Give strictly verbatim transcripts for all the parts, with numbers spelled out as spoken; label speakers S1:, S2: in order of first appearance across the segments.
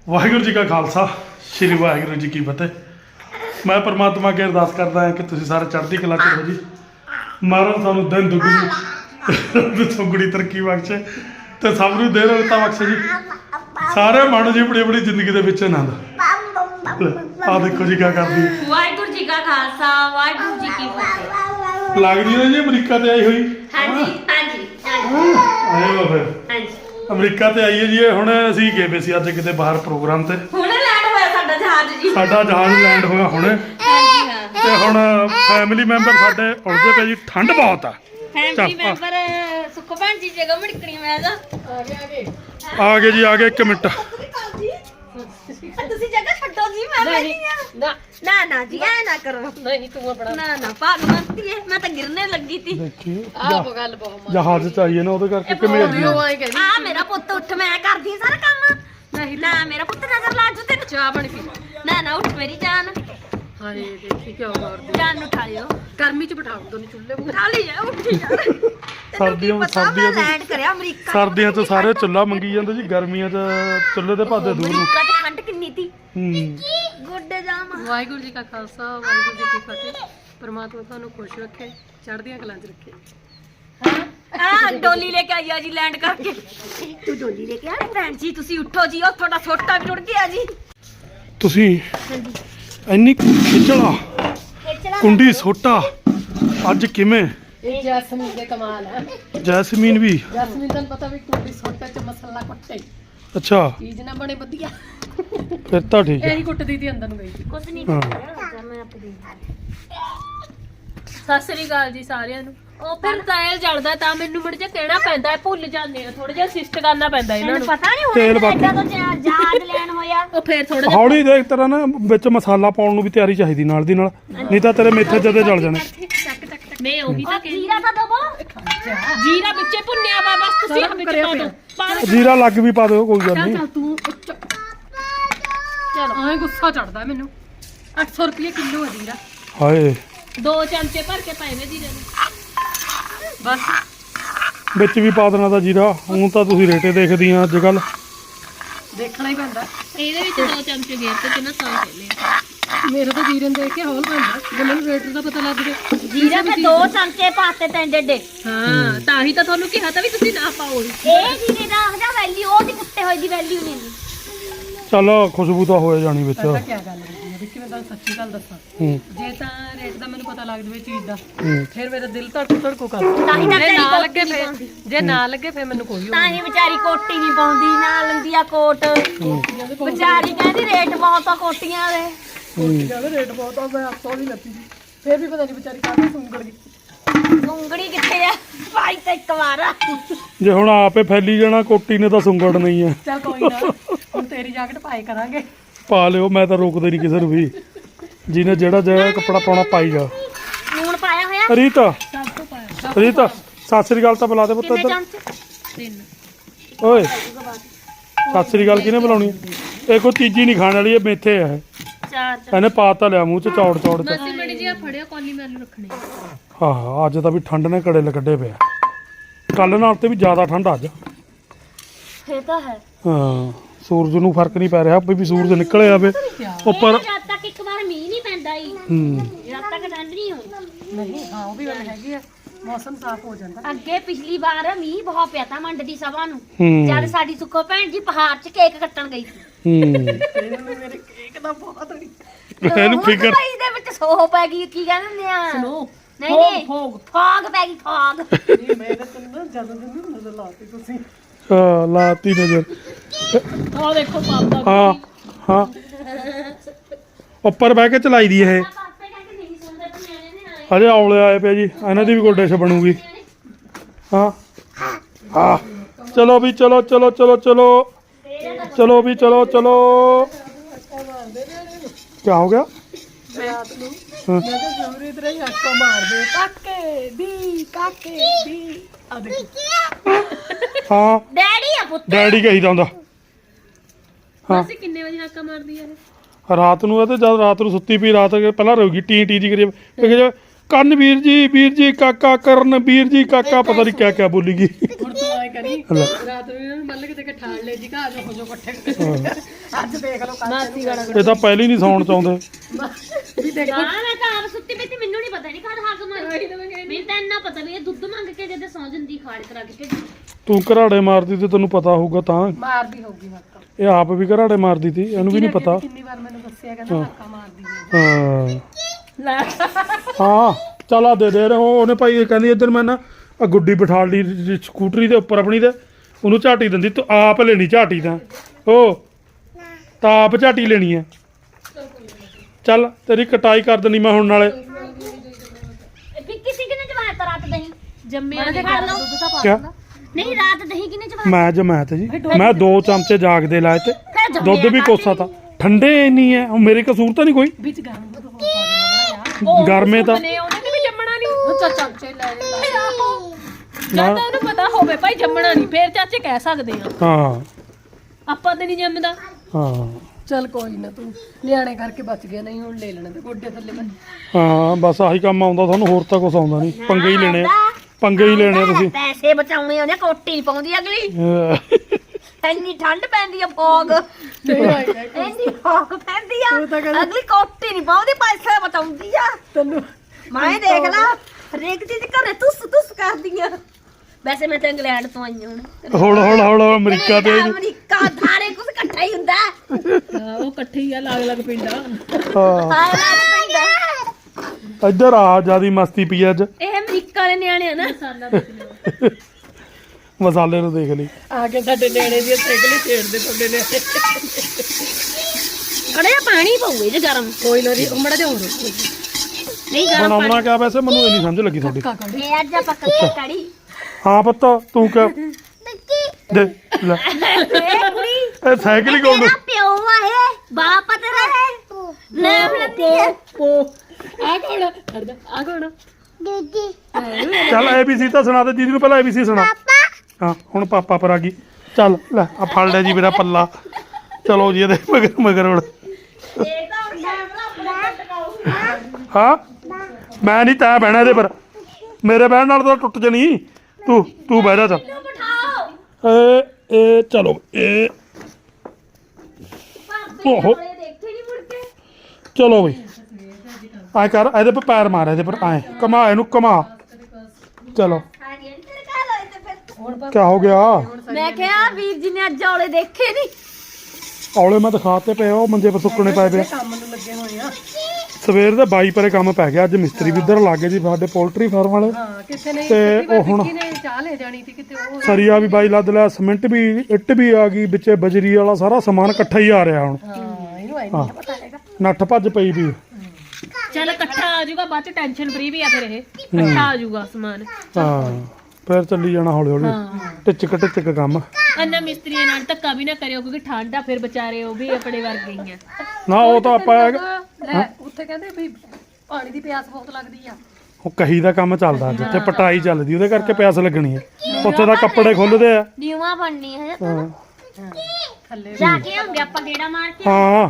S1: ਵਾਹਿਗੁਰੂ ਜੀ ਕਾ ਖਾਲਸਾ ਸ੍ਰੀ ਵਾਹਿਗੁਰੂ ਜੀ ਕੀ ਫਤਿਹ। ਮੈਂ ਪਰਮਾਤਮਾ ਅੱਗੇ ਅਰਦਾਸ ਕਰਦਾ ਹਾਂ ਕਿ ਤੁਸੀਂ ਸਾਰੇ ਚੜ੍ਹਦੀ ਕਲਾ 'ਚ ਰਹੋ ਜੀ। ਮਹਾਰਾਜ ਸਾਨੂੰ ਦਿਨ ਦੁਗਣੀ ਚੌਗੁਣੀ ਤਰੱਕੀ ਬਖਸ਼ੇ ਤੇ ਸਭ ਨੂੰ ਦੇ ਰੋਗਤਾ ਬਖਸ਼ੇ ਜੀ। ਸਾਰੇ ਮਾਣੋ ਜੀ ਬੜੀ ਬੜੀ ਜ਼ਿੰਦਗੀ ਦੇ ਵਿੱਚ ਆਨੰਦ। ਆ ਦੇਖੋ ਜੀ ਕੀ ਕਰਦੀ ਹੈ।
S2: ਵਾਹਿਗੁਰੂ ਜੀ ਕਾ ਖਾਲਸਾ ਵਾਹਿਗੁਰੂ ਜੀ ਕੀ ਫਤਿਹ।
S1: ਲੱਗਦੀ ਹੈ ਜੀ ਅਮਰੀਕਾ ਤੇ ਆਈ ਹੋਈ।
S2: ਹਾਂਜੀ ਹਾਂਜੀ
S1: ਆਏ ਵਾ ਫਿਰ
S2: ਹਾਂਜੀ
S1: ਅਮਰੀਕਾ ਤੇ ਆਈ ਹੈ ਜੀ। ਇਹ ਹੁਣ ਅਸੀਂ ਗਏ ਵੇ ਸੀ ਅੱਜ ਕਿਤੇ ਬਾਹਰ ਪ੍ਰੋਗਰਾਮ ਤੇ।
S2: ਹੁਣੇ ਲੈਂਡ ਹੋਇਆ ਸਾਡਾ ਜਹਾਜ਼ ਜੀ।
S1: ਸਾਡਾ ਜਹਾਜ਼ ਲੈਂਡ ਹੋਇਆ ਹੁਣੇ
S2: ਹਾਂਜੀ ਹਾਂ।
S1: ਤੇ ਹੁਣ ਫੈਮਿਲੀ ਮੈਂਬਰ ਸਾਡੇ ਉਲਝੇ ਪਏ ਜੀ। ਠੰਡ ਬਹੁਤ ਆ।
S2: ਫੈਮਿਲੀ ਮੈਂਬਰ ਸੁੱਖੋ ਭੈਣ ਜੀ ਜਗ੍ਹਾ ਮੜਕਣੀ ਮੈਂ ਤਾਂ ਆ ਗਏ ਆ ਗਏ
S1: ਆ ਗਏ ਜੀ ਆ ਗਏ ਇੱਕ ਮਿੰਟ।
S2: ਤੁਸੀਂ ਜਗ੍ਹਾ ਛੱਡੋ ਜੀ ਮੈਂ ਨਹੀਂ ਨਾ ਨਾ ਨਾ ਜੀ ਐ ਨਾ ਕਰੋ ਨਹੀਂ ਤੂੰ ਆਪਣਾ ਨਾ ਨਾ ਭਾਗਵੰਤੀ ਹੈ ਮੈਂ ਤਾਂ ਗਿਰਨੇ ਲੱਗੀ ਤੀ।
S1: ਦੇਖੀ
S2: ਆਹ ਗੱਲ ਬਹੁਤ
S1: ਜਹਾਜ਼ ਚ ਆਈਏ ਨਾ ਉਹਦੇ ਕਰਕੇ ਕਿਵੇਂ ਆਈ
S2: ਆ ਮੇਰਾ ਪੁੱਤ ਉੱਠ ਮੈਂ ਕਰਦੀ ਸਾਰਾ ਕੰਮ। ਨਹੀਂ ਨਾ ਮੇਰਾ ਪੁੱਤ ਨਜ਼ਰ ਲਾ ਜੂ ਤੈਨੂੰ ਚਾਹ ਬਣ ਪੀ ਨਾ ਨਾ ਉੱਠ ਮੇਰੀ ਜਾਨ। ਹਾਏ ਦੇਖੀ ਕਿਉਂ ਕਰਦੀ ਜਾਨ ਨੂੰ ਉਠਾ ਲਿਓ ਗਰਮੀ ਚ ਬਿਠਾ ਦੋ ਚੁੱਲ੍ਹੇ ਉਠਾ ਲਈ ਜਾ ਉੱਠੀ ਯਾਰ।
S1: ਸਰਦੀਆਂ ਵਿੱਚ ਸਰਦੀਆਂ
S2: ਲੈਂਡ ਕਰਿਆ ਅਮਰੀਕਾ
S1: ਸਰਦੀਆਂ ਚ ਸਾਰੇ ਚੁੱਲ੍ਹਾ ਮੰਗੀ ਜਾਂਦੇ ਜੀ। ਗਰਮੀਆਂ ਚ ਚੁੱਲ੍ਹੇ ਤੇ ਭਾਦੇ ਦੂਰ ਨੂੰ।
S2: ਅਮਰੀਕਾ ਚ ਠੰਡ ਕਿੰਨੀ ਤੀ
S1: ਹੂੰ
S2: ਗੁੱਡੇ ਜਾਮ।
S3: ਵਾਹਿਗੁਰੂ ਜੀ ਕਾ ਖਾਲਸਾ ਵਾਹਿਗੁਰੂ ਜੀ ਕੀ ਫਤਿਹ। ਪਰਮਾਤਮਾ ਤੁਹਾਨੂੰ ਖੁਸ਼ ਰੱਖੇ ਚੜ੍ਹਦੀਆਂ ਕਲਾਂ 'ਚ ਰੱਖੇ।
S2: ਆ ਡੋਲੀ ਲੈ ਕੇ ਆਈ ਆ ਜੀ ਲੈਂਡ ਕਰਕੇ। ਤੂੰ ਡੋਲੀ ਲੈ ਕੇ ਆ ਭੈਣ ਜੀ ਤੁਸੀਂ ਉੱਠੋ ਜੀ। ਉਹ ਤੁਹਾਡਾ ਛੋਟਾ ਵੀ ਟੁੱਟ ਗਿਆ ਜੀ।
S1: ਤੁਸੀਂ
S2: ਹਾਂਜੀ
S1: ਇੰਨੀ ਖਿਚਲਾ ਕੁੰਡੀ ਸੋਟਾ ਅੱਜ ਕਿਵੇਂ?
S3: ਇਹ ਜੈਸਮੀਨ ਦੇ ਕਮਾਲ ਹੈ।
S1: ਜੈਸਮੀਨ ਵੀ
S3: ਜੈਸਮੀਨ ਦਾ ਪਤਾ ਵੀ ਕੁੰਡੀ ਸੋਟੇ 'ਚ ਮਸਾਲਾ ਕੁੱਟੇ
S1: ਅੱਛਾ
S3: ਚੀਜ਼ ਨਾ ਬਣੇ ਵਧੀਆ।
S1: ਫਿਰ ਤਾਂ ਠੀਕ ਹੈ।
S3: ਇਹੀ ਕੁੱਟਦੀ ਤੀ ਅੰਦਰ ਨੂੰ ਗਈ ਸੀ।
S2: ਕੁਛ ਨਹੀਂ
S1: ਹਾਂ।
S2: ਕਰਦਾ ਮੈਂ ਆਪਣੀ।
S3: ਸਤਿ ਸ੍ਰੀ ਅਕਾਲ ਜੀ ਸਾਰਿਆਂ ਨੂੰ। ਉਹ ਫਿਰ ਤੇਲ ਜਲਦਾ ਤਾਂ ਮੈਨੂੰ ਮੁੜ ਜਾ ਕਹਿਣਾ ਪੈਂਦਾ। ਭੁੱਲ ਜਾਂਦੇ ਆ ਥੋੜਾ ਜਿਹਾ ਅਸਿਸਟ ਕਰਨਾ ਪੈਂਦਾ ਇਹਨਾਂ
S2: ਤੈਨੂੰ
S3: ਨੂੰ।
S2: ਪਤਾ ਨਹੀਂ
S1: ਤੇਲ
S2: ਹੋਇਆ
S1: ਬਾਕੀ-
S2: ਐਡਾ ਤਾਂ ਜਹਾਜ਼ ਲੈਣ ਹੋਇਆ।
S3: ਉਹ ਫਿਰ ਥੋੜਾ ਜਿਹਾ
S1: ਹੌਲੀ ਦੇਖ ਤਰ੍ਹਾਂ ਨਾ ਵਿੱਚ ਮਸਾਲਾ ਪਾਉਣ ਨੂੰ ਵੀ ਤਿਆਰੀ ਚਾਹੀਦੀ ਨਾਲ ਦੀ ਨਾਲ। ਨਹੀਂ ਤਾਂ ਤੇਰੇ ਮੇਥੇ ਜਦੇ ਜਲ ਜਾਣੇ।
S3: ਮੈਂ ਉਹੀ ਤਾਂ
S2: ਉਹ ਜੀਰਾ ਤਾਂ ਦਵੋ।
S3: ਜੀਰਾ ਵਿੱਚੇ ਭੁੰਨਿਆ ਵਾ ਬਸ ਤੁਸੀਂ ਵਿੱਚ ਪਾ ਦਿਓ। ਪਾ ਦਿਓ।
S1: ਜੀਰਾ ਲੱਗ ਵੀ ਪਾ ਦਿਓ ਕੋਈ ਗੱਲ
S3: ਚੱਲ
S1: ਨਹੀਂ।
S3: ਚੱਲ ਤੂੰ ਚਲ ਆਏ ਗੁੱਸਾ ਚੜਦਾ ਮੈਨੂੰ। ਅੱਠ ਸੌ ਰੁਪਏ ਕਿਲੋ ਹੈ ਜੀਰਾ।
S1: ਹਾਏ
S3: ਦੋ ਚਮਚੇ ਭਰ ਕੇ ਪਾਏ ਵੇ ਜੀਰੇ ਨੂੰ ਬਸ।
S1: ਵਿੱਚ ਵੀ ਪਾ ਦੇਣਾ ਤਾਂ ਜੀਰਾ। ਹੁਣ ਤਾਂ ਤੁਸੀਂ ਰੇਟੇ ਦੇਖਦੀਆਂ ਅੱਜ ਕੱਲ।
S3: ਦੇਖਣਾ ਹੀ ਪੈਂਦਾ। ਇਹਦੇ ਵਿੱਚ ਦੋ ਚਮਚੇ ਗੇਰ ਤੇ ਕਿੰਨਾ ਸਾਫ ਚੱਲੇ ਮੇਰੇ ਤਾਂ ਜੀਰੇ ਨੂੰ ਦੇਖ ਕੇ ਹੌਲ ਪੈਂਦਾ ਜੇ ਮੈਨੂੰ ਰੇਟ ਦਾ ਪਤਾ ਲੱਗ ਜੇ।
S2: ਜੀਰਾ ਤੇ ਦੋ ਚਮਚੇ ਪਾਤੇ ਤੈਨੂੰ ਡੇਡੇ।
S3: ਹਾਂ ਤਾਂ ਹੀ ਤਾਂ ਤੁਹਾਨੂੰ ਕਿਹਾ ਤਾਂ ਵੀ ਤੁਸੀਂ ਨਾ ਪਾਓ।
S2: ਇਹ ਜੀਰੇ ਦਾ ਹਜਾ ਵੈਲਿਊ ਉਹਦੀ ਕੁੱਤੇ ਹੋਈ ਦੀ ਵੈਲਿਊ ਨਹੀਂ ਹੁੰਦੀ।
S1: ਚੱਲ ਖੁਸ਼ਬੂ ਤਾਂ ਹੋਏ ਜਾਣੀ ਵਿੱਚ।
S3: ਪਤਾ ਕੀ ਗੱਲ ਹੈ ਵਿੱਕੀ ਮੈਂ ਤੁਹਾਨੂੰ ਸੱਚੀ ਗੱਲ ਦੱਸਾਂ।
S1: ਹੂੰ
S3: ਜੇ ਤਾਂ ਰੇਟ ਦਾ ਮੈਨੂੰ ਪਤਾ ਲੱਗ ਜਵੇ ਚੀਜ਼ ਦਾ
S1: ਹੂੰ
S3: ਫਿਰ ਮੇਰਾ ਦਿਲ ਧੜਕ ਧੜਕੋ ਕਰਦਾ।
S2: ਤਾਂ ਹੀ ਤਾਂ
S3: ਜੇ
S2: ਤੇਰੀ
S3: ਨਾ
S2: ਕੋਟੀ
S3: ਲੱਗੇ
S2: ਨਹੀਂ
S3: ਫਿਰ
S2: ਪਾਉਂਦੀ।
S3: ਜੇ ਨਾ ਲੱਗੇ ਫਿਰ ਮੈਨੂੰ ਕੋਈ
S2: ਤਾਂ ਹੀ ਵਿਚਾਰੀ ਕੋਟੀ ਨਹੀਂ ਪਾਉਂਦੀ ਨਾ ਲੰਦੀ ਆ ਕੋਟ। ਵਿਚਾਰੀ ਕਹਿੰਦੀ ਰੇਟ ਬਹੁਤ ਆ ਕੋਟੀਆਂ ਦੇ।
S3: ਜਿਆਦਾ ਰੇਟ ਬਹੁਤ ਆ। ਮੈਂ ਅੱਠ ਸੌ ਦੀ ਲੱਤੀ ਸੀ ਫਿਰ ਵੀ ਪਤਾ ਨਹੀਂ ਵਿਚਾਰੀ ਕਾਹਦੇ ਸੁੰਗੜ ਗਈ।
S2: ਸੁੰਗੜੀ ਕਿੱਥੇ ਆ ਭਾਈ ਤੇ ਇੱਕ ਵਾਰ ਆ।
S1: ਜੇ ਹੁਣ ਆਪੇ ਫੈਲੀ ਜਾਣਾ ਕੋਟੀ ਨੇ ਤਾਂ ਸੁੰਗੜ ਨਹੀਂ ਹੈ।
S3: ਚੱਲ ਕੋਈ ਨਾ ਹੁਣ ਤੇਰੀ ਜੈਕਟ ਪਾਏ ਕਰਾਂਗੇ।
S1: ਪਾ ਲਿਓ ਮੈਂ ਤਾਂ ਰੋਕਦੇ ਨਹੀਂ ਕਿਸੇ ਨੂੰ ਵੀ। ਜਿਹਨੇ ਜਿਹੜਾ ਜਿਹੜਾ ਕੱਪੜਾ ਪਾਉਣਾ ਪਾਈ ਜਾ।
S2: ਲੂਣ ਪਾਇਆ ਹੋਇਆ
S1: ਰੀਤਾ
S3: ਸਭ ਤੋਂ ਪਾਇਆ
S1: ਰੀਤਾ ਸਤਿ ਸ੍ਰੀ ਅਕਾਲ ਤਾਂ ਬੁਲਾ ਦੇ ਪੁੱਤ
S2: ਕਿੰਨੇ
S1: ਇੱਧਰ।
S2: ਚਮਚ?
S3: ਤਿੰਨ
S1: ਓਏ ਸਤਿ ਸ੍ਰੀ ਅਕਾਲ ਕਿਹਨੇ ਬੁਲਾਉਣੀ ਹੈ? ਇਹ ਕੋਈ ਚੀਜ਼ੀ ਨਹੀਂ ਖਾਣ ਵਾਲੀ। ਇਹ ਮੇਥੇ ਆ ਇਹ।
S2: ਚਾਰ ਚਮਚ।
S1: ਇਹਨੇ ਪਾ ਤਾਂ ਲਿਆ ਮੂੰਹ ਚ ਚੌੜ ਚੌੜ ਤੇ।
S3: ਮਾਸੀ ਮੜੀ ਜੀ ਆ ਫੜਿਓ ਕੌਲੀ ਮੈਨੂੰ ਰੱਖਣੇ।
S1: ਹਾਂ ਹਾਂ ਅੱਜ ਤਾਂ ਵੀ ਠੰਡ ਨੇ ਕੜੇ ਲਕੱਡੇ ਪਿਆ। ਕੱਲ ਨਾਲ ਤੇ ਵੀ ਜ਼ਿਆਦਾ ਠੰਡ ਅੱਜ।
S2: ਇਹ ਤਾਂ ਹੈ।
S1: ਹਾਂ ਸੂਰਜ ਨੂੰ ਫਰਕ ਨਹੀਂ ਪੈ ਰਿਹਾ ਵੀ ਵੀ ਸੂਰਜ ਨਿਕਲੇ ਆਵੇ ਉੱਪਰ।
S2: ਜਦ ਤੱਕ ਇੱਕ ਵਾਰ ਮੀਂਹ ਨਹੀਂ ਪੈਂਦਾ ਹੀ
S1: ਹੂੰ
S2: ਜਦ ਤੱਕ ਠੰਡ ਨਹੀਂ ਹੋਈ।
S3: ਨਹੀਂ ਹਾਂ ਉਹ ਵੀ ਗੱਲ ਹੈਗੀ ਆ। ਮੌਸਮ ਸਾਫ਼ ਹੋ ਜਾਂਦਾ।
S2: ਅੱਗੇ ਪਿਛਲੀ ਵਾਰ ਮੀਂਹ ਬਹੁਤ ਪਿਆ ਤਾਂ ਮੰਡ ਦੀ ਸਭਾ ਨੂੰ।
S1: ਹੂੰ
S2: ਜਦ ਸਾਡੀ ਸੁੱਖੋ ਭੈਣ ਜੀ ਪਹਾੜ 'ਚ ਕੇਕ ਕੱਟਣ ਗਈ ਸੀ।
S1: ਹੂੰ
S3: ਮੇਰੇ ਕੇਕ ਦਾ ਬਹੁਤ ਨਹੀਂ
S1: ਇਹਨੂੰ
S2: ਹੁਣ
S1: ਫਿਕਰ
S2: ਭਾਈ ਦੇ ਵਿੱਚ ਸੋਹ ਪੈ ਗਈ। ਕੀ ਕਹਿੰਦੇ ਹੁੰਦੇ ਆ
S3: ਸਨੋ
S2: ਨਹੀਂ ਨਹੀਂ
S3: ਫੋਗ
S2: ਫੌਗ ਪੈ ਗਈ ਫੌਗ।
S3: ਨਹੀਂ ਮੇਰੇ ਤੋਂ ਨਾ ਜਦੋਂ ਦਿਨ ਨਜ਼ਰ ਲਾਤੀ ਤੁਸੀਂ।
S1: ਹਾਂ ਲਾਤੀ ਨਜ਼ਰ।
S3: ਆਹ ਦੇਖੋ ਪਾਪਾ
S1: ਹਾਂ ਹਾਂ ਉੱਪਰ ਬਹਿ ਕੇ ਚਲਾਈ ਦੀ ਇਹ।
S2: ਪਾਪੇ ਕਹਿੰਦੇ ਨਹੀਂ ਸੁਣਦੇ ਤਾਂ ਨਿਆਣੇ ਨੇ ਆਏ।
S1: ਹਜੇ ਔਲੇ ਆਏ ਪਿਆ ਜੀ। ਇਹਨਾਂ ਦੀ ਵੀ ਕੋਈ ਡਿਸ਼ ਬਣੂਗੀ। ਹਾਂ ਹਾਂ ਚਲੋ ਵੀ ਚਲੋ ਚਲੋ ਚਲੋ ਚਲੋ ਚਲੋ ਵੀ ਚਲੋ ਚਲੋ। ਕੀ ਹੋ ਗਿਆ?
S3: ਰਾਤ ਨੂੰ
S1: ਹਾਂ
S3: ਮੈਂ ਤਾਂ ਜ਼ਰੂਰੀ ਤਰ੍ਹਾਂ ਹੀ ਹੱਕਾ ਮਾਰਦੇ ਕਾਕੇ ਦੀ ਕਾਕੇ ਦੀ ਆ ਦੇਖੋ।
S1: ਹਾਂ
S2: ਡੈਡੀ ਆ ਪੁੱਤ।
S1: ਡੈਡੀ ਕਹੀਦਾ ਹੁੰਦਾ। ਹਾਂ
S3: ਮਾਸੀ ਕਿੰਨੇ ਵਜੇ ਹੱਕਾ ਮਾਰਦੀ ਆ ਇਹ?
S1: ਰਾਤ ਨੂੰ ਇਹ ਤੇ ਜਦ ਰਾਤ ਨੂੰ ਸੁੱਤੀ ਪਈ ਰਾਤ ਪਹਿਲਾਂ ਰਹੂਗੀ ਟੀ ਟੀ ਜੀ ਕਰੀ ਕੰਨ ਵੀਰ ਜੀ ਵੀਰ ਜੀ ਕਾਕਾ ਕਰਨ ਵੀਰ ਜੀ ਕਾਕਾ ਪਤਾ ਨਹੀਂ ਕਿਆ ਕਿਆ ਬੋਲੀਗੀ।
S3: ਹੁਣ ਤੂੰ ਆਏ ਕਰੀ
S1: ਲੈ।
S3: ਰਾਤ ਨੂੰ ਇਹਨਾਂ ਨੂੰ ਮੱਲ ਕੇ ਤੇ ਕੇ ਠਾਲ ਲੈ ਜੀ ਘਰ ਜੋ ਹੋ ਜੋ ਇਕੱਠੇ ਅੱਜ ਦੇਖ ਲਓ ਮਾਸੀ ਗਾਣਾ
S1: ਇਹ ਤਾਂ ਪਹਿਲੀ ਨਹੀਂ ਸੌਣ ਚਾਹੁੰਦੇ
S3: ਵੀ ਦੇਖੋ
S2: ਹਾਂ ਮੈਂ ਤਾਂ ਆਪ ਸੁੱਤੀ ਪਈ ਤੇ ਮੈਨੂੰ ਨਹੀਂ ਪਤਾ ਨਹੀਂ ਖਾਦ ਹਾਕ ਮਾਰ ਮੈਨੂੰ ਤਾਂ ਇੰਨਾ ਪਤਾ ਵੀ ਇਹ ਦੁੱਧ ਮੰਗ ਕੇ ਜਦ ਸੌ ਜਾਂਦੀ ਖਾੜ ਕਰਾ ਕੇ ਭੇਜੀ।
S1: ਤੂੰ ਘਰਾੜੇ ਮਾਰਦੀ ਤੇ ਤੈਨੂੰ ਪਤਾ ਹੋਊਗਾ ਤਾਂ
S3: ਮਾਰਦੀ ਹੋਊਗੀ ਹੱਕਾ
S1: ਇਹ ਆਪ ਵੀ ਘਰਾੜੇ ਮਾਰਦੀ ਤੀ ਇਹਨੂੰ ਵੀ ਨਹੀਂ ਪਤਾ
S3: ਕਿੰਨੀ ਵਾਰ ਮੈਨੂੰ ਦੱਸਿਆ ਕਹਿੰਦਾ ਹੱਕਾ ਮਾਰਦੀ ਹੈ
S1: ਹਾਂ
S3: ਲੈ
S1: ਹਾਂ ਚੱਲ ਆ ਦੇ ਦੇ ਰਹੇ ਹੋ ਉਹਨੇ ਭਾਈ ਇਹ ਕਹਿੰਦੀ ਇੱਧਰ ਮੈਂ ਨਾ ਆ ਗੁੱਡੀ ਬਿਠਾ ਲਈ ਸਕੂਟਰੀ ਦੇ ਉੱਪਰ ਆਪਣੀ ਦੇ ਉਹਨੂੰ ਝਾਟੀ ਦਿੰਦੀ ਤੂੰ ਆਪ ਲੈਣੀ ਝਾਟੀ ਤਾਂ ਉਹ ਤਾਂ ਆਪ ਝਾਟੀ ਲੈਣੀ ਹੈ ਚੱਲ ਤੇਰੀ ਕਟਾਈ ਕਰ ਦੇਣੀ ਮੈਂ ਹੁਣ ਨਾਲੇ
S2: ਵੀ ਕਿਸੇ ਕਿਨੇ ਜਵਾਇਆ ਤਾਂ ਰਾਤ ਦਹੀਂ ਜੰਮਿਆ
S3: ਮਾੜਾ
S2: ਨਹੀਂ
S3: ਜਿਹਾ
S2: ਖਾ ਲਓ
S3: ਦੁੱਧ ਤਾਂ ਪਾ
S1: ਕਿਆ
S2: ਨਹੀਂ ਰਾਤ ਦਹੀਂ ਕਿਨੇ ਜਵਾਇਆ
S1: ਮੈਂ ਜਮਾਇਆ ਤੇ ਜੀ ਮੈਂ ਦੋ ਚਮਚੇ ਜਾਗਦੇ ਲਾਏ ਤੇ
S2: ਫਿਰ ਜੰਮਿਆ
S1: ਦੁੱਧ ਵੀ ਕੋਸਾ ਤਾਂ ਠੰਡੇ ਨਹੀਂ ਹੈ ਉਹ ਮੇਰੇ ਕਸੂਰ ਤਾਂ ਨਹੀਂ ਕੋਈ
S3: ਵਿੱਚ ਗਰਮ ਦੁੱਧ ਹੋਰ ਪਾ ਦੇਣਾ ਬੜਾ
S1: ਗਰਮੇ ਤਾਂ
S2: ਨੇ ਉਹਨੇ ਵੀ ਜੰਮਣਾ ਨਹੀਂ
S3: ਉਹ ਚਾਚਾ ਚਮਚੇ ਲੈ ਲੈ
S2: ਜਦ ਉਹਨੂੰ ਪਤਾ ਹੋਵੇ ਭਾਈ ਜੰਮਣਾ ਨਹੀਂ ਫੇਰ ਚਾਚੇ ਕਹਿ ਸਕਦੇ ਆ
S1: ਹਾਂ
S2: ਆਪਾਂ ਤੇ ਨਹੀਂ ਜੰਮਦਾ
S1: ਹਾਂ
S3: ਚੱਲ ਕੋਈ ਨਾ ਤੂੰ ਨਿਆਣੇ ਕਰਕੇ ਬਚ ਗਿਆ ਨਹੀਂ ਹੁਣ ਲੈ ਲੈਣਾ ਤੇ ਗੋਡੇ ਥੱਲੇ ਮੈਂ
S1: ਹਾਂ ਬਸ ਆਹੀ ਕੰਮ ਆਉਂਦਾ ਤੁਹਾਨੂੰ ਹੋਰ ਤਾਂ ਕੁਝ ਆਉਂਦਾ ਨਹੀਂ ਪੰਗੇ ਹੀ ਲੈਣੇ ਆ। ਪੰਗੇ ਹੀ ਲੈਣੇ ਆ ਤੁਸੀਂ
S2: ਪੈਸੇ ਬਚਾਉਣੇ ਉਹਨੇ ਕੋਟੀ ਨਹੀਂ ਪਾਉਂਦੀ ਅਗਲੀ
S1: ਅਹ
S2: ਇੰਨੀ ਠੰਡ ਪੈਂਦੀ ਆ ਫੋਗ ਇੰਨੀ ਫੋਗ ਪੈਂਦੀ ਆ
S3: ਤੂੰ ਤਾਂ ਕਹਿੰਦਾ-
S2: ਅਗਲੀ ਕੋਟੀ ਨਹੀਂ ਪਾਉਂਦੀ ਪੈਸੇ ਬਚਾਉਂਦੀ ਆ
S3: ਤੈਨੂੰ
S2: ਮੈਂ ਦੇਖ ਲਾ ਹਰੇਕ ਚੀਜ਼ ਘਰੇ ਤੁਸ ਤੁਸ ਕਰਦੀਆਂ ਵੈਸੇ ਮੈਂ ਤਾਂ ਇੰਗਲੈਂਡ ਤੋਂ ਆਈ ਹਾਂ ਹੁਣ
S1: ਹੁਣ ਹੁਣ ਹੁਣ ਅਮਰੀਕਾ ਤੇ
S2: ਅਮਰੀਕਾ ਧਾਰੇ ਕੁਝ ਇਕੱਠਾ ਹੀ ਹੁੰਦਾ
S3: ਹਾਂ ਉਹ ਇਕੱਠੇ ਹੀ ਆ ਅਲੱਗ ਅਲੱਗ ਪਿੰਡਾਂ
S1: ਹਾਂ
S2: ਹਾਏ ਲੱਗ ਪੈਂਦਾ
S1: ਇੱਧਰ ਆ ਜਿਆਦੀ ਮਸਤੀ ਪਈ ਅੱਜ
S2: ਇਹ ਅਮਰੀਕਾ ਵਾਲੇ ਨਿਆਣੇ ਆ ਨਾ
S1: ਮਸਾਲੇ ਨੂੰ ਦੇਖ ਲਈ
S3: ਆ ਕੇ ਸਾਡੇ ਨੇੜੇ ਦੀ ਸਾਈਕਲ ਛੇੜਦੇ ਤੁਹਾਡੇ ਨੇ
S2: ਕੜਿਆ ਪਾਣੀ ਪਊਏ ਜੇ ਗਰਮ
S3: ਕੋਈ ਨਾ ਰੀ ਉਮੜਾ ਦੇ ਹੋਰ
S2: ਨਹੀਂ ਗਰਮ
S1: ਬਣਾਉਣਾ ਕਿਆ ਵੈਸੇ ਮੈਨੂੰ ਇਹ ਨਹੀਂ ਸਮਝ ਲੱਗੀ ਤੁਹਾਡੀ
S3: ਕਾ ਕਰ
S2: ਇਹ ਅੱਜ ਆਪਾਂ ਕੱਚੀ ਕੜੀ
S1: ਹਾਂ ਪੁੱਤ ਤੂੰ ਕਿਆ ਦੇ ਲੈ
S2: ਇਹ ਕੁੜੀ
S1: ਇਹ ਸਾਈਕਲ ਹੀ ਕੋਲ
S2: ਤੇਰਾ ਪਿਓ ਆ ਇਹ ਬਾਪ ਆ ਤੇਰਾ ਇਹ ਨਾਮ ਲੱਤੀ ਹੈ
S3: ਪੋ ਆ ਕੌਣ ਹਰਦਾ ਆ ਕੌਣ
S1: ਚੱਲ ਏਬੀਸੀ ਤਾਂ ਸੁਣਾ ਦੇ ਦੀਦੀ ਨੂੰ ਪਹਿਲਾਂ ਏਬੀਸੀ ਸੁਣਾ ਹਾਂ ਹੁਣ ਪਾਪਾ ਪਰ ਆ ਗਈ ਚੱਲ ਲੈ ਆ ਫੜ ਲਿਆ ਜੀ ਮੇਰਾ ਪੱਲਾ ਚਲੋ ਜੀ ਇਹਦੇ ਮਗਰ ਮਗਰ ਹੁਣ
S2: ਇਹ ਤਾਂ ਕੈਮਰਾ ਟਕਾਉ
S1: ਹਾਂ ਮੈਂ ਨਹੀਂ ਤੈਂ ਬਹਿਣਾ ਇਹਦੇ ਪਰ ਮੇਰੇ ਬਹਿਣ ਨਾਲ ਤਾਂ ਟੁੱਟ ਜਣੀ ਤੂੰ ਤੂੰ ਬਹਿ ਜਾ ਚੱਲ
S2: ਨੂੰ ਬਿਠਾਓ
S1: ਏ ਇਹ ਚਲੋ ਇਹ ਓਹੋ
S2: ਕੋਲੇ ਦੇਖੇ ਨਹੀਂ ਮੁੜ ਕੇ
S1: ਚਲੋ ਬਈ ਆਏ ਕਰ ਇਹਦੇ ਪਰ ਪੈਰ ਮਾਰ ਇਹਦੇ ਪਰ ਆਏ ਕਮਾ ਇਹਨੂੰ ਕਮਾ ਚਲੋ
S2: ਹਾਂਜੀ ਇੰਟਰ ਕਾ ਲੋ ਤੇ ਫਿਰ
S3: ਹੁਣ ਬਸ
S1: ਕੀ ਹੋ ਗਿਆ
S2: ਮੈਂ ਕਿਹਾ ਵੀਰ ਜੀ ਨੇ ਅੱਜ ਔਲੇ ਦੇਖੇ ਨਹੀਂ
S1: ਔਲੇ ਮੈਂ ਦਿਖਾਤੇ ਪਏ ਉਹ ਮੰਜੇ ਪਰ ਸੁੱਕਣੇ ਪਏ ਪਏ
S3: ਕੰਮ ਨੂੰ ਲੱਗੇ ਹੋਏ ਆ
S1: ਸਵੇਰ ਦੇ ਬਾਈ ਪਰੇ ਕੰਮ ਪੈ ਗਿਆ ਅੱਜ ਮਿਸਤਰੀ ਵੀ ਇੱਧਰ ਲੱਗੇ ਜੀ ਸਾਡੇ ਪੋਲਟਰੀ ਫਾਰਮ ਵਾਲੇ
S3: ਹਾਂ ਕਿਸੇ ਨੇ
S1: ਤੇ ਉਹ ਹੁਣ-
S3: ਕਿਸੇ ਨੇ ਚਾਹ ਲੈ ਜਾਣੀ ਸੀ ਕਿਤੇ ਉਹ
S1: ਸਰੀਆ ਵੀ ਬਾਈ ਲੱਦ ਲਿਆ ਸੀਮੈਂਟ ਵੀ ਇੱਟ ਵੀ ਆ ਗਈ ਵਿੱਚੇ ਬਜਰੀ ਵਾਲਾ ਸਾਰਾ ਸਮਾਨ ਇਕੱਠਾ ਹੀ ਆ ਰਿਹਾ ਹੁਣ
S3: ਹਾਂ ਇਹਨੂੰ ਐ ਨਹੀਂ ਪਤਾ ਹੈਗਾ
S1: ਨੱਠ ਭੱਜ ਪਈ ਵੀ
S2: ਚਲ ਇਕੱਠਾ ਆ ਜਾਊਗਾ ਬਾਅਦ ਚ ਟੈਨਸ਼ਨ ਫ੍ਰੀ ਵੀ ਆ ਫਿਰ ਇਹ ਇਕੱਠਾ ਆ ਜਾਊਗਾ ਸਮਾਨ
S1: ਹਾਂ ਫਿਰ ਚੱਲੀ ਜਾਣਾ ਹੌਲੀ ਹੌਲੀ ਟਿਚਕ ਟਿਚਕ ਕੰਮ
S2: ਅੰਨਾ ਮਿਸਤਰੀਆਂ ਨਾਲ ਧੱਕਾ ਵੀ ਨਾ ਕਰਿਓ ਕਿਉਂਕਿ ਠੰਡ ਆ ਫਿਰ ਵਿਚਾਰੇ ਉਹ ਵੀ ਆਪਣੇ ਵਰਗੇ ਹੀ ਆ
S1: ਨਾ ਉਹ ਤਾਂ ਆਪਾਂ
S3: ਲੈ ਉੱਥੇ ਕਹਿੰਦੇ ਵੀ ਪਾਣੀ ਦੀ ਪਿਆਸ ਬਹੁਤ ਲੱਗਦੀ ਆ
S1: ਉਹ ਕਹੀ ਦਾ ਕੰਮ ਚੱਲਦਾ ਜਿੱਥੇ ਪਟਾਈ ਚੱਲਦੀ ਉਹਦੇ ਕਰਕੇ ਪਿਆਸ ਲੱਗਣੀ ਹੈ ਉੱਥੇ ਤਾਂ ਕੱਪੜੇ ਖੁੱਲਦੇ ਆ
S2: ਨਿਊਆਂ ਬਣਨੀ ਹੈ
S1: ਹਾਂ
S3: ਥੱਲੇ
S2: ਜਾ ਕੇ ਆਉਂਗੇ ਆਪਾਂ ਗੇੜਾ ਮਾਰ ਕੇ
S1: ਹਾਂ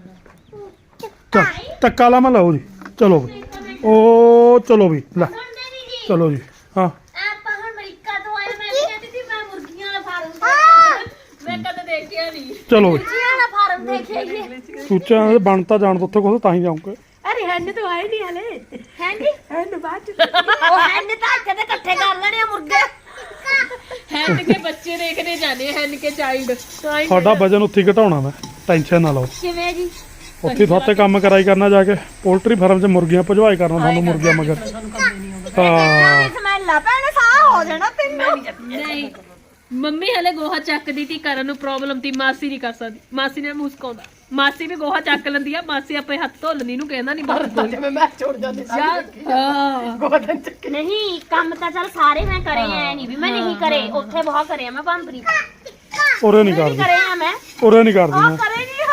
S1: ਚੱਲ ਟੱਕਾ ਲਾ ਮੈਂ ਲਓ ਜੀ ਚਲੋ ਵੀ ਉਹ ਚਲੋ ਵੀ ਲੈ
S2: ਸੁਣਦੇ ਨਹੀਂ ਜੀ
S1: ਚਲੋ ਜੀ ਹਾਂ
S2: ਆਪਾਂ ਹੁਣ ਅਮਰੀਕਾ ਤੋਂ ਆਏ ਮੈਂ ਵੀ ਕਹਿੰਦੀ ਸੀ ਮੈਂ ਮੁਰਗੀਆਂ ਵਾਲਾ ਫਾਰਮ ਮੈਂ ਕਦੇ ਦੇਖਿਆ ਨਹੀਂ
S1: ਚਲੋ ਵੀ
S2: ਮੁਰਗੀਆਂ ਵਾਲਾ ਫਾਰਮ ਦੇਖਿਆ ਹੀ
S1: ਸੂਚਾ ਬਣ ਤਾਂ ਜਾਣ ਤੋਂ ਉੱਥੇ ਕੁਛ ਤਾਂ ਹੀ ਜਾਊਂਗੇ
S3: ਅਰੇ ਹੰਨ ਤਾਂ ਆਏ ਨਹੀਂ ਹਲੇ
S2: ਹੈ ਜੀ
S3: ਹੰਨ ਬਾਅਦ ਚ
S2: ਉਹ ਹੈਨ ਤਾਂ ਇੱਥੇ ਤੇ ਇਕੱਠੇ ਕਰ ਲੈਣੇ ਆ ਮੁਰਗੇ
S3: ਹੈਨ ਕੇ ਬੱਚੇ ਦੇਖਦੇ ਜਾਂਦੇ ਹੈਨ ਕੇ ਚਾਈਲਡ
S1: ਸਾਡਾ ਵਜਨ ਉੱਥੇ ਹੀ ਘਟਾਉਣਾ ਮੈਂ ਟੈਨਸ਼ਨ ਨਾ ਲਓ
S2: ਕਿਵੇਂ ਜੀ
S1: ਉੱਥੇ ਤੁਹਾਤੇ ਕੰਮ ਕਰਾਈ ਕਰਨਾ ਜਾ ਕੇ ਪੋਲਟਰੀ ਫਾਰਮ 'ਚ ਮੁਰਗੀਆਂ ਭਜਵਾਈ ਕਰਨਾ ਤੁਹਾਨੂੰ ਮੁਰਗੀਆਂ ਮਗਰ ਹਾਂ
S2: ਸਮੈਲ ਆ ਪੈਣੇ ਸਾਹ ਹੋ ਜਾਣਾ ਤੈਨੂੰ
S3: ਨਹੀਂ ਮੰਮੀ ਹਲੇ ਗੋਹਾ ਚੱਕਦੀ ਤੀ ਕਰਨ ਨੂੰ ਪ੍ਰੋਬਲਮ ਤੀ ਮਾਸੀ ਨਹੀਂ ਕਰ ਸਕਦੀ ਮਾਸੀ ਨੇ ਮੁਸਕਾਉਂਦਾ ਮਾਸੀ ਵੀ ਗੋਹਾ ਚੱਕ ਲੈਂਦੀ ਆ ਮਾਸੀ ਆਪੇ ਹੱਥ ਧੋ ਲੈਂਦੀ ਨੂੰ ਕਹਿੰਦਾ ਨਹੀਂ ਬਾਹਰ ਜਿਵੇਂ ਮੈਂ ਛੋੜ ਜਾਂਦੀ ਸੀ ਹਾਂ ਗੋਹਾ ਚੱਕ
S2: ਨਹੀਂ ਕੰਮ ਤਾਂ ਚੱਲ ਸਾਰੇ ਮੈਂ ਕਰੇ ਐ ਨਹੀਂ ਵੀ ਮੈਂ ਨਹੀਂ ਕਰੇ ਉੱਥੇ ਬਹੁਤ ਕਰੇ ਆ ਮੈਂ ਭੰਬਰੀ
S1: ਉਰੇ ਨਹੀਂ ਕਰਦੀ
S2: ਕਰੇ ਆ ਮੈਂ
S1: ਉਰੇ ਨਹੀਂ ਕਰਦੀ
S2: ਉਹ
S1: ਮੈਂ
S2: ਕਰੇ ਨਹੀਂ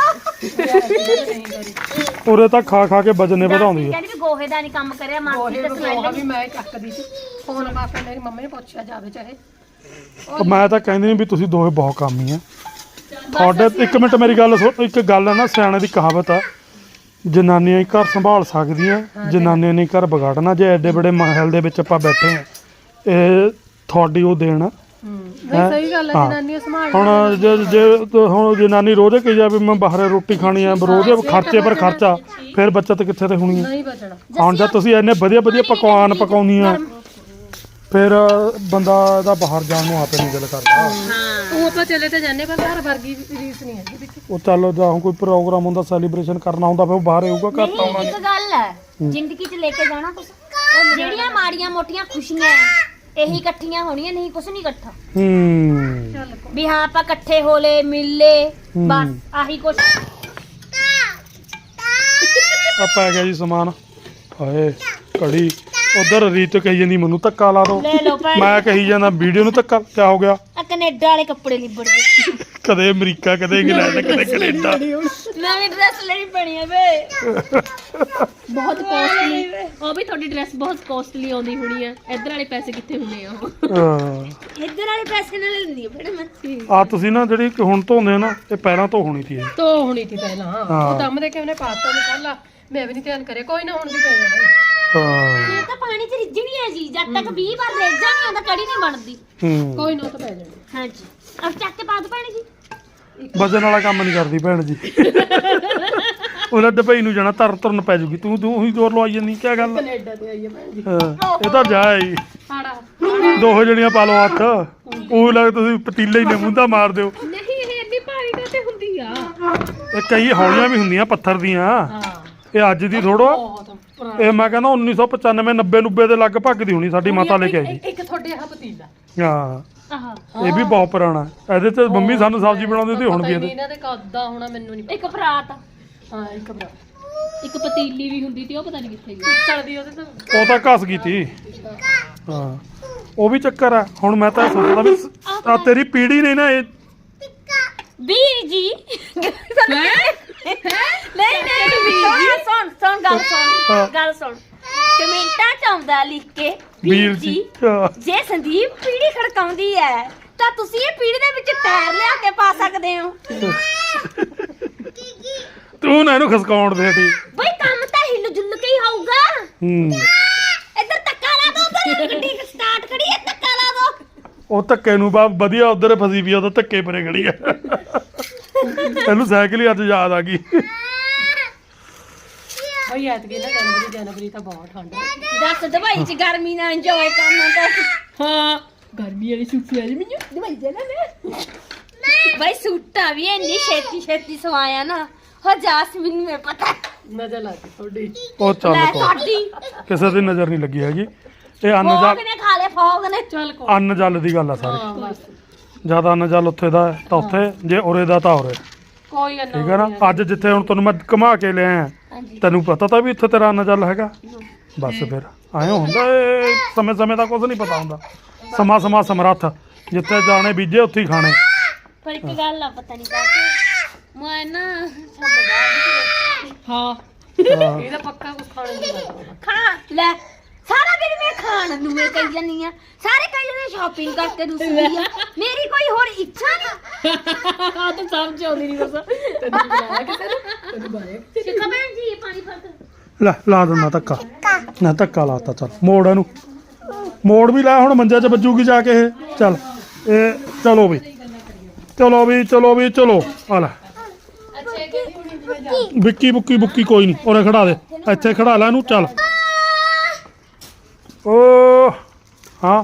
S2: ਹੋ
S1: ਉਰੇ ਤਾਂ ਖਾ ਖਾ ਕੇ ਵਜਨੇ ਵਧਾਉਂਦੀ ਹੈ
S2: ਕਹਿੰਦੀ ਵੀ ਗੋਹੇ ਦਾ ਨਹੀਂ ਕੰਮ ਕਰਿਆ ਮਾਸੀ ਤੇ
S3: ਗੋਹਾ
S2: ਸਮੈਲ
S3: ਵੀ ਮੈਂ ਚੱਕਦੀ ਸੀ ਫੋਨ ਮਾਪੇ ਮੇਰੀ ਮੰਮੀ ਨੇ ਪੁੱਛਿਆ ਜਾਵੇ ਚਾਹੇ
S1: ਉਹ ਮੈਂ ਤਾਂ ਕਹਿੰਦੀ ਨਹੀਂ ਵੀ ਤੁਸੀਂ ਦੋਵੇਂ ਬਹੁਤ ਕਾਮੀ ਆ ਤੁਹਾਡੇ ਇੱਕ ਮਿੰਟ ਮੇਰੀ ਗੱਲ ਸੁਣ ਇੱਕ ਗੱਲ ਹੈ ਨਾ ਸਿਆਣੇ ਦੀ ਕਹਾਵਤ ਆ ਜਨਾਨੀਆਂ ਹੀ ਘਰ ਸੰਭਾਲ ਸਕਦੀਆਂ ਜਨਾਨੀਆਂ ਨੇ ਘਰ ਵਿਗਾੜਨਾ ਜੇ ਐਡੇ ਬੜੇ ਮਹਿਲ ਦੇ ਵਿੱਚ ਆਪਾਂ ਬੈਠੇ ਆ ਇਹ ਤੁਹਾਡੀ ਉਹ ਦੇਣ ਆ
S3: ਨਹੀਂ ਸਹੀ ਗੱਲ ਹੈ
S1: ਹਾਂ।
S3: ਜਨਾਨੀਆਂ ਸੰਭਾਲ
S1: ਹੁਣ ਜੇ ਜੇ ਤੇ ਹੁਣ ਜਨਾਨੀ ਰੋਜ਼ ਕਹੀ ਜਾਵੇ ਮੈਂ ਬਾਹਰ ਰੋਟੀ ਖਾਣੀ ਆ ਰੋਜ਼ ਖਰਚੇ ਪਰ ਖਰਚਾ ਫਿਰ ਬੱਚਤ ਕਿੱਥੇ ਤੇ ਹੋਣੀ ਹੈ।
S3: ਨਹੀਂ ਬਚਣਾ
S1: ਹੁਣ ਜਦ ਤੁਸੀਂ ਇੰਨੇ ਵਧੀਆ ਵਧੀਆ ਪਕਵਾਨ ਪਕਾਉਂਦੀਆਂ ਫਿਰ ਬੰਦਾ ਦਾ ਬਾਹਰ ਜਾਣ ਨੂੰ ਆਪੇ ਨਹੀਂ ਦਿਲ ਕਰਦਾ।
S2: ਹਾਂ
S3: ਉਹ ਆਪਾਂ ਚਲੇ ਤੇ ਜਾਂਦੇ ਪਰ ਘਰ ਵਰਗੀ ਰੀਸ ਨਹੀਂ ਹੈਗੀ ਵਿੱਚ
S1: ਉਹ ਚੱਲ ਜਾਂ ਹੁਣ ਕੋਈ ਪ੍ਰੋਗਰਾਮ ਹੁੰਦਾ ਸੈਲੀਬ੍ਰੇਸ਼ਨ ਕਰਨਾ ਹੁੰਦਾ ਫਿਰ ਉਹ ਬਾਹਰ ਆਊਗਾ ਘਰ ਤਾਂ ਆਉਣਾ
S2: ਨਹੀਂ ਇੱਕ ਗੱਲ ਹੈ ਜ਼ਿੰਦਗੀ 'ਚ ਲੈ ਕੇ ਜਾਣਾ ਕੁਛ ਉਹ ਜਿਹੜੀਆਂ ਮਾੜੀਆਂ ਮੋਟੀਆਂ ਖੁਸ਼ੀਆਂ ਐ ਇਹੀ ਇਕੱਠੀਆਂ ਹੋਣੀਆਂ ਨਹੀਂ ਕੁਛ ਨਹੀਂ ਇਕੱਠਾ
S1: ਹੂੰ
S2: ਵੀ ਹਾਂ ਆਪਾਂ ਇਕੱਠੇ ਹੋ ਲੇ ਮਿਲ ਲੇ ਬਸ ਆਹੀ ਕੁਛ
S1: ਆ ਪੈ ਗਿਆ ਜੀ ਸਮਾਨ ਹਾਏ ਘੜੀ ਉਧਰ ਰੀਤ ਕਹੀ ਜਾਂਦੀ ਮੈਨੂੰ ਧੱਕਾ ਲਾ ਦੋ
S2: ਲੈ ਲਓ ਭੈਣ
S1: ਮੈਂ ਕਹੀ ਜਾਂਦਾ ਵੀਡੀਓ ਨੂੰ ਧੱਕਾ ਕਿਆ ਹੋ ਗਿਆ
S2: ਆ ਕੈਨੇਡਾ ਵਾਲੇ ਕੱਪੜੇ ਲਿਬੜ ਗਏ
S1: ਕਦੇ ਅਮਰੀਕਾ ਕਦੇ ਇੰਗਲੈਂਡ ਕਦੇ ਕੈਨੇਡਾ
S2: ਨਵੀਂ ਡਰੈਸ ਲੈਣੀ ਪੈਣੀ ਹੈ ਵੇ
S3: ਬਹੁਤ ਕੋਸਟਲੀ ਉਹ ਵੀ ਤੁਹਾਡੀ ਡਰੈਸ ਬਹੁਤ ਕੋਸਟਲੀ ਆਉਂਦੀ ਹੋਣੀ ਹੈ ਇੱਧਰ ਵਾਲੇ ਪੈਸੇ ਕਿੱਥੇ ਹੁੰਦੇ ਆ ਉਹ
S1: ਹਾਂ।
S2: ਇੱਧਰ ਵਾਲੇ ਪੈਸੇ ਨਾਲ ਲੈਂਦੀ ਹੈ ਫਿਰ ਮੈਂ
S1: ਆ ਤੁਸੀਂ ਨਾ ਜਿਹੜੀ ਹੁਣ ਧੋਂਦੇ ਹੋ ਨਾ ਇਹ ਪਹਿਲਾਂ ਤੋਂ ਹੋਣੀ ਸੀ ਇਹ।
S3: ਤੋ ਹੋਣੀ ਸੀ ਪਹਿਲਾਂ ਉਹ ਦਮ ਦੇ ਕੇ ਉਹਨੇ ਪਾਤਾ ਨਿਕਾਲਾ ਮੈਂ ਵੀ ਨਹੀਂ ਧਿਆਨ ਕਰਿਆ ਕੋਈ ਨਾ ਹੁਣ ਵੀ ਪੈ ਜਾਣਾ
S1: ਹਾਂ
S2: ਇਹ ਤਾਂ ਪਾਣੀ 'ਚ ਰਿੱਝਣੀ ਹੈ ਜੀ ਜਦ ਤੱਕ ਵੀਹ ਵਾਰ ਰਿੱਝਾ ਨਹੀਂ ਹੁੰਦਾ ਕੜੀ ਨਹੀਂ ਬਣਦੀ
S1: ਹੂੰ
S3: ਕੋਈ ਨਾ ਉਹ ਤਾਂ ਪੈ ਜਾਣੀ
S2: ਹਾਂਜੀ ਅਬ ਚੱਕ ਕੇ ਪਾ ਦੋ ਭੈਣ ਜੀ
S1: ਵਜਨ ਵਾਲਾ ਕੰਮ ਨਹੀਂ ਕਰਦੀ ਭੈਣ ਜੀ ਉਹਨਾਂ ਡਬਈ ਨੂੰ ਜਾਣਾ ਤਰ ਤੁਰਨ ਪੈ ਜੂਗੀ ਤੂੰ ਤੂੰ ਉਹੀ ਜ਼ੋਰ ਲਵਾਈ ਜਾਂਦੀ ਕੀ ਗੱਲ
S3: ਕੈਨੇਡਾ ਤੇ ਆਈ ਹੈ ਭੈਣ ਜੀ
S1: ਹਾਂ, ਇਹ ਤਾਂ ਜਾਏ
S3: ਹਾੜਾ
S1: ਦੋ ਜਣੀਆਂ ਪਾ ਲਓ ਹੱਥ ਉਹ ਲੱਗ ਤੁਸੀਂ ਪਤੀਲੇ ਹੀ ਨੇ ਮੁੰਦਾ ਮਾਰ ਦਿਓ
S3: ਨਹੀਂ ਇਹ ਇੰਨੀ ਭਾਰੀ ਕਾਤੇ ਹੁੰਦੀ ਆ
S1: ਇਹ ਕਈ ਹੌਲੀਆਂ ਵੀ ਹੁੰਦੀਆਂ ਪੱਥਰ ਦੀਆਂ
S3: ਹਾਂ
S1: ਇਹ ਅੱਜ ਦੀ ਥੋੜੋ
S3: ਬਹੁਤ ਪੁਰਾਣੀ
S1: ਇਹ ਮੈਂ ਕਹਿੰਦਾ ਉੱਨੀ ਸੌ ਪਚਾਨਵੇਂ ਨੱਬੇ ਨੁੱਬੇ ਦੇ ਲਗਭਗ ਦੀ ਹੋਣੀ ਸਾਡੀ ਮਾਤਾ ਲੈ ਕੇ ਆਈ
S3: ਇੱਕ ਤੁਹਾਡੇ ਆਹ ਪਤੀਲਾ
S1: ਹਾਂ
S2: ਆਹ
S1: ਇਹ ਵੀ ਬਹੁਤ ਪੁਰਾਣਾ ਹੈ। ਇਹਦੇ ਤੇ ਮੰਮੀ ਸਾਨੂੰ ਸਬਜ਼ੀ ਬਣਾਉਂਦੀ ਸੀ ਹੁਣ ਵੀ ਇਹਦੇ
S3: ਇਹਨਾਂ ਦੇ ਕੱਦਾ ਹੋਣਾ ਮੈਨੂੰ ਨਹੀਂ
S2: ਇੱਕ ਫਰਾਤ
S3: ਹਾਂ ਇੱਕ ਬਰਾ
S2: ਇੱਕ ਪਤੀਲੀ ਵੀ ਹੁੰਦੀ ਸੀ ਉਹ ਪਤਾ ਨਹੀਂ ਕਿੱਥੇ ਗਈ
S3: ਚੜਦੀ ਉਹਦੇ ਤਾਂ
S1: ਉਹ ਤਾਂ ਘਸ ਗਈ ਤੀ ਹਾਂ ਉਹ ਵੀ ਚੱਕਰ ਆ ਹੁਣ ਮੈਂ ਤਾਂ ਇਹ ਸੋਚਦਾ ਵੀ ਆ ਤੇਰੀ ਪੀੜੀ ਨੇ ਨਾ ਇਹ
S2: ਵੀਰ ਜੀ ਨਹੀਂ ਨਹੀਂ ਵੀਰ ਜੀ ਸੁਣ ਸੁਣ ਗੱਲ ਸੁਣ ਗੱਲ ਸੁਣ ਕਮੈਂਟਾਂ ਚ ਆਉਂਦਾ ਲਿਖ ਕੇ
S1: ਵੀਰ ਜੀ ਹਾਂ।
S2: ਜੇ ਸੰਦੀਪ ਪੀੜੀ ਖੜਕਾਉਂਦੀ ਹੈ ਤਾਂ ਤੁਸੀਂ ਇਹ ਪੀੜੀ ਦੇ ਵਿੱਚ ਪੈਰ ਲਿਆ ਕੇ ਪਾ ਸਕਦੇ ਹੋ
S1: ਤੂੰ ਨਾ ਇਹਨੂੰ ਖਸਕਾਉਣ ਦੇ ਤੀ
S2: ਬਈ ਕੰਮ ਤਾਂ ਹਿੱਲ ਜੁੱਲ ਕੇ ਹੀ ਹੋਊਗਾ
S1: ਹੂੰ
S2: ਇੱਧਰ ਧੱਕਾ ਲਾ ਦੋ ਉਧਰ ਗੱਡੀ ਸਟਾਰਟ ਕਰੀ ਹੈ ਧੱਕਾ ਲਾ ਦੋ
S1: ਉਹ ਧੱਕੇ ਨੂੰ ਬਾ ਵਧੀਆ ਉਧਰ ਫਸੀ ਵੀ ਉਹਦਾ ਧੱਕੇ ਪਰੇ ਖੜੀ ਆ ਇਹਨੂੰ ਸਾਈਕਲ ਹੀ ਅੱਜ ਯਾਦ ਆ ਗਈ
S3: ਉਹ ਯਾਦ ਕੀ ਨਾ ਜਨਵਰੀ ਜਨਵਰੀ ਤਾਂ ਬਹੁਤ ਠੰਡ ਹੈ
S2: ਦੱਸ ਦਵਾਈ ਚ ਗਰਮੀ ਨਾਲ ਇੰਜੋਏ ਕਰਨਾ ਤਾਂ
S3: ਹਾਂ ਗਰਮੀ ਵਾਲੀ ਸੂਟ ਲੈ ਮੈਨੂੰ
S2: ਦਵਾਈ ਦੇ ਲੈ ਬਈ ਸੂਟਾ ਵੀ ਇੰਨੀ ਛੇਤੀ ਛੇਤੀ ਸਵਾਇਆ ਨਾ ਹੋ ਜਾਸਮੀਨ ਨੂੰ ਪਤਾ
S3: ਨਜ਼ਰ ਲੱਗੀ ਤੁਹਾਡੀ
S1: ਉਹ ਚੱਲ
S2: ਲੈ
S1: ਕੋ
S2: ਸਾਡੀ
S1: ਕਿਸੇ ਦੀ ਨਜ਼ਰ ਨਹੀਂ ਲੱਗੀ ਹੈਗੀ ਇਹ ਅੰਨ
S2: ਫੋਗ
S1: ਜਲ
S2: ਨੇ ਖਾ ਲਏ ਫੋਗ ਨੇ
S3: ਚੱਲ ਕੋ
S1: ਅੰਨ ਜਲ ਦੀ ਗੱਲ ਆ ਸਾਰੀ
S3: ਹਾਂ ਬਸ
S1: ਜਿਆਦਾ ਅੰਨ ਜਲ ਉੱਥੇ ਦਾ ਹੈ ਤਾਂ ਉੱਥੇ ਜੇ ਉਰੇ ਦਾ ਤਾਂ ਉਰੇ
S3: ਕੋਈ ਅੰਨਾ
S1: ਠੀਕ ਹੈ ਨਾ ਅੱਜ ਜਿੱਥੇ ਹੁਣ ਤੈਨੂੰ ਮੈਂ ਘੁਮਾ ਕੇ ਲਿਆ
S2: ਹਾਂਜੀ
S1: ਤੈਨੂੰ ਪਤਾ ਤਾਂ ਵੀ ਇੱਥੇ ਤੇਰਾ ਅੰਨ ਜਲ ਹੈਗਾ ਬਸ ਫਿਰ ਆਏ ਹੁੰਦਾ ਇਹ ਸਮੇਂ ਸਮੇਂ ਦਾ ਕੁਝ ਨਹੀਂ ਪਤਾ ਹੁੰਦਾ ਸਮਾਂ ਸਮਾਂ ਸਮਰੱਥ ਜਿੱਥੇ ਜਾਣੇ ਬੀਜੇ ਉੱਥੇ ਹੀ ਖਾਣੇ
S2: ਪਰ ਇੱਕ ਗੱਲ ਆ ਪਤਾ ਨਹੀਂ ਕਾਹਤੇ ਮੈਂ ਨਾ ਸਾਡੇ ਬਾਅਦ
S3: ਹਾਂ
S1: ਹਾਂ।
S3: ਇਹਦਾ ਪੱਕਾ ਕੁਝ ਖਾਣੇ ਦੀ ਗੱਲ
S2: ਖਾ ਲੈ ਸਾਰਾ ਦਿਨ ਮੈਂ ਖਾਣ ਨੂੰ ਮੈਂ ਕਹੀ ਜਾਂਦੀ ਆ ਸਾਰੇ ਕਹੀ ਜਾਂਦੇ ਸ਼ਾਪਿੰਗ ਕਰਕੇ ਦੂਸਰੀ ਆ ਮੇਰੀ ਕੋਈ ਹੋਰ ਇੱਛਾ ਨਹੀਂ
S3: ਆ ਤਾਂ ਸਮਝ ਆਉਂਦੀ ਨਹੀਂ ਬਸ ਤੈਨੂੰ ਬੁਲਾਇਆ ਕਿਸੇ ਨੇ ਤੈਨੂੰ ਬਾਰੇ
S2: ਸ਼ਿਕਾ ਭੈਣ ਜੀ ਪਾਣੀ ਫੜ ਕੇ
S1: ਲੈ ਲਾ ਦਿੰਦਾ ਧੱਕਾ ਨਾ ਧੱਕਾ ਲਾਤਾ ਚੱਲ ਮੋੜ ਇਹਨੂੰ ਮੋੜ ਵੀ ਲੈ ਹੁਣ ਮੰਜੇ 'ਚ ਵੱਜੂਗੀ ਜਾ ਕੇ ਇਹ ਚੱਲ ਇਹ ਚਲੋ ਵੀ ਚਲੋ ਵੀ ਚਲੋ ਵੀ ਚਲੋ ਆ ਲੈ
S3: ਅੱਛਾ ਇਹ ਕਹਿੰਦੀ ਹੁਣੀ ਜਿਵੇਂ ਜਾ
S1: ਵਿੱਕੀ ਬੁੱਕੀ ਬੁੱਕੀ ਕੋਈ ਨਹੀਂ ਉਰੇ ਖੜਾ ਦੇ ਇੱਥੇ ਖੜਾ ਲੈ ਇਹਨੂੰ ਚੱਲ ਓ ਹਾਂ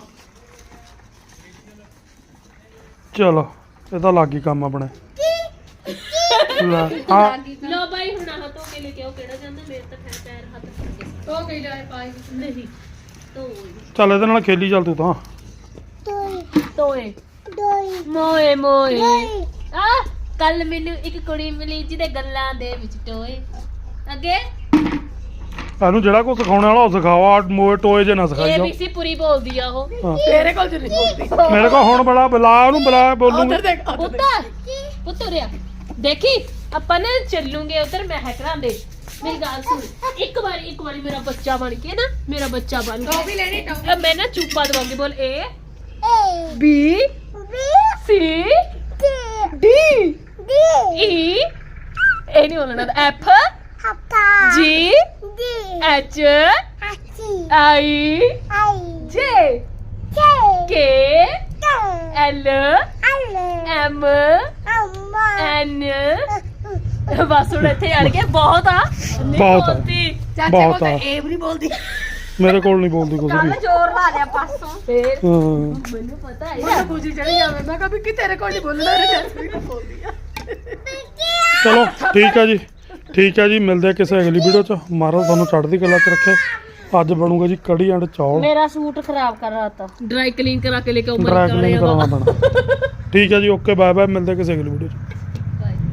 S1: ਚਲੋ ਇਹ ਤਾਂ ਲੱਗ ਗਈ ਕੰਮ ਆਪਣੇ ਲੈ ਹਾਂ
S3: ਲੋ ਬਾਈ ਹੁਣ ਆਹ ਧੋ ਕੇ ਲੈ ਕੇ ਆਓ ਕਿਹੜਾ ਜਾਂਦਾ ਮੇਰੇ ਤਾਂ ਖੈਰ ਪੈਰ ਹੱਥ ਫੜ ਗਏ ਧੋ ਕੇ ਲੈ ਪਾਈ ਨਹੀਂ ਧੋ
S1: ਚੱਲ ਇਹਦੇ ਨਾਲ ਖੇਲੀ ਚੱਲ ਤੂੰ ਤਾਂ
S3: ਤੋਏ ਮੋਏ ਮੋਏ ਆ ਕੱਲ ਮੈਨੂੰ ਇੱਕ ਕੁੜੀ ਮਿਲੀ ਜਿਹਦੇ ਗੱਲਾਂ ਦੇ ਵਿੱਚ ਟੋਏ ਅੱਗੇ
S1: ਇਹਨੂੰ ਜਿਹੜਾ ਕੁਝ ਸਿਖਾਉਣ ਵਾਲਾ ਉਹ ਸਿਖਾਓ ਆ ਮੋਏ ਟੋਏ ਜੇ ਨਾ ਸਿਖਾਈ ਜਾਓ
S3: ਏਬੀਸੀ ਪੂਰੀ ਬੋਲਦੀ ਆ ਉਹ
S1: ਹਾਂ।
S3: ਤੇਰੇ ਕੋਲ ਨਹੀਂ ਬੋਲਦੀ
S1: ਮੇਰੇ ਕੋਲ ਹੁਣ ਬੜਾ ਬੁਲਾ ਉਹਨੂੰ ਬੁਲਾ ਬੋਲੂਗਾ
S3: ਦੇਖ ਪੁੱਤ ਪੁੱਤ ਰਿਆ ਦੇਖੀ ਆਪਾਂ ਨੇ ਚੱਲੂਗੇ ਉਧਰ ਮਹਿਕਰਾਂ ਦੇ ਮੇਰੀ ਗੱਲ ਸੁਣ ਇੱਕ ਵਾਰੀ ਇੱਕ ਵਾਰੀ ਮੇਰਾ ਬੱਚਾ ਬਣ ਕੇ ਨਾ ਮੇਰਾ ਬੱਚਾ ਬਣ ਕੇ ਵੀ ਲੈਣੀ ਟੌਫੀ ਮੈਂ ਨਾ ਚੁੱਪਾ ਦਵਾਂਗੀ ਬੋਲ A B C D E ਇਹ ਨਹੀਂ ਬੋਲਣਾ ਐਫ ਜੀ ਐਚ ਆਈ ਜੇ ਕੇ ਐਲ ਐਮ ਐਨ ਬਸ ਹੁਣ ਇੱਥੇ ਅੜ ਗਿਆ ਬਹੁਤ ਆ ਨਹੀਂ
S1: ਬਹੁਤ ਆ।
S3: ਬੋਲਦੀ।
S2: ਚਾਚੇ
S1: ਬਹੁਤ
S2: ਕੋਲ
S1: ਆ।
S2: ਏ ਵੀ ਨਹੀਂ ਬੋਲਦੀ
S1: ਮੇਰੇ ਕੋਲ ਨਹੀਂ ਬੋਲਦੀ ਕੁਝ
S2: ਕੱਲ
S1: ਵੀ
S2: ਜ਼ੋਰ ਲਾ ਲਿਆ ਪਾਸੋਂ
S3: ਫੇਰ
S1: ਹਾਂ
S3: ਮੈਨੂੰ ਪਤਾ ਹੈ
S2: ਮੈਨੂੰ ਖੁਸ਼ੀ ਚੜੀ ਜਾਵੇ ਮੈਂ ਕਿਹਾ ਵੀ ਕਿ ਤੇਰੇ ਕੋਲ ਨਹੀਂ ਬੋਲਣਾ ਰੇ ਜੈਸਮੀਨ ਕੋਲ ਬੋਲਦੀ ਆ
S1: ਚਲੋ ਠੀਕ ਹੈ ਜੀ ਠੀਕ ਹੈ ਜੀ ਮਿਲਦੇ ਆ ਕਿਸੇ ਅਗਲੀ ਵੀਡੀਓ ਚ ਮਹਾਰਾਜ ਤੁਹਾਨੂੰ ਚੜ੍ਹਦੀ ਕਲਾ ਚ ਰੱਖੇ ਅੱਜ ਬਣੂਗਾ ਜੀ ਕੜੀ ਐਂਡ ਚੌਲ
S2: ਮੇਰਾ ਸੂਟ ਖਰਾਬ ਕਰ ਰਹਾ ਤਾ
S3: ਡਰਾਈ ਕਲੀਨ ਕਰਾ ਕੇ ਲੈ ਕੇ ਆਉਂ
S1: ਡਰਾਈ ਕਲੀਨ ਕਰਾਉਣਾ ਪੈਣਾ ਠੀਕ ਹੈ ਜੀ ਓਕੇ ਬਾਏ ਬਾਏ ਮਿਲਦੇ ਆ ਕਿਸੇ ਅਗਲੀ ਵੀਡੀਓ ਚ